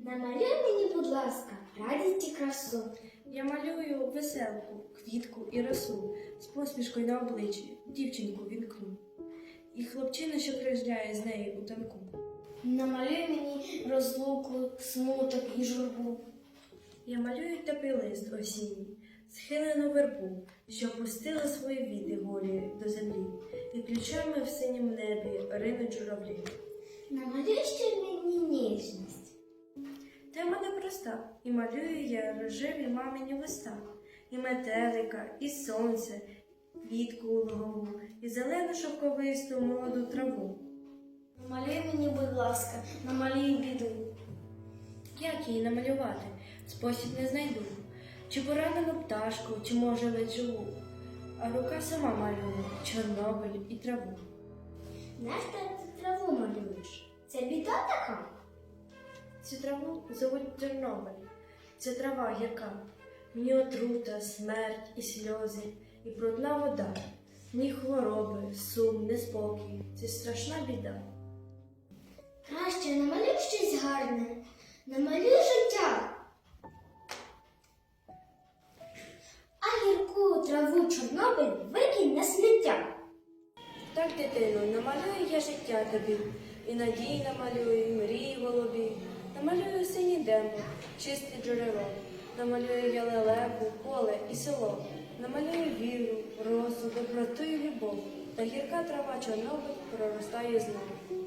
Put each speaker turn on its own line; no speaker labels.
Намалюй мені, будь ласка, радість і красу.
Я малюю веселку, квітку і росу, з посмішкою на обличчі дівчинку вінкну. І хлопчина, що крижляє з нею у танку.
Намалюй мені розлуку, смуток і журбу.
Я малюю теплий лист осінній, схилену вербу, що пустила свої віти голі до землі, і ключами в синім небі ринуть журавлі.
Намалюй ще мені ніжність.
Тема непроста, і малюю я рожеві мамині листа, і метелика, і сонце, квітку лугову, і зелену шовковисту молоду траву.
Намалюй мені, будь ласка, намалюй біду.
Як її намалювати? Спосіб не знайду. Чи поранену пташку, чи може ледь живу. А рука сама малює Чорнобиль і траву.
Нащо ти траву малюєш? Це біда така?
Цю траву зовуть Чорнобиль. Це трава гірка. В ній отрута, смерть і сльози, і брудна вода. В ній хвороби, сум, неспокій. Це страшна біда.
Краще намалюй щось гарне. Намалюй життя. А гірку траву Чорнобиль викинь на сміття.
Так, дитино, намалюю я життя тобі, і надії намалюю, і мрії голубі. Намалюю синій небо, чисте джерело. Намалюю я лелеку, поле і село. Намалюю віру, розу, доброту і любов. Та гірка трава Чорнобиль проростає знову.